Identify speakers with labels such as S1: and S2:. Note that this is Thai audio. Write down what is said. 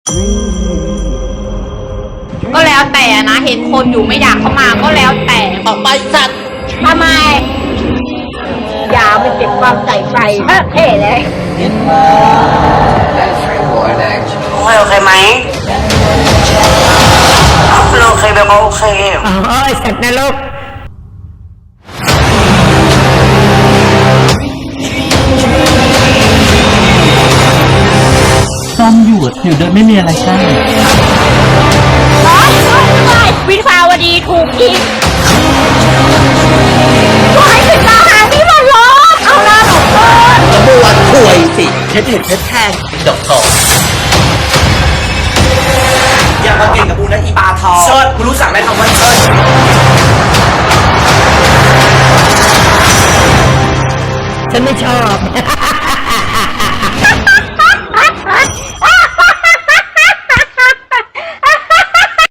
S1: ก็แล้วแต่นะเห็นคนอยู่ไม่อยากเข้ามาก็แล้วแต่
S2: ออกไปสัตว์
S1: ทำไมยามันเก็บความใส่ใจเท่เลย
S2: ไม่โอเคไหมไม่โอเคแบบโอเค
S1: อ๋อสัตว์นรก
S3: ซ่อมอยู่โดยไม่มีอะไรกั้น
S1: วิภาวดีถูกยิงถอยถึงมาหาพี่มันล้อมเอาหน้าหนูเพิ่น
S2: บวชถวยสิเพชรเห็ดเพชรแทงดอกทองอย่ามาเก่งกับกูนะอีปลาทองเชิดกูรู้สั่งได้คำว่าเชิด
S1: ฉันไม่ชอบ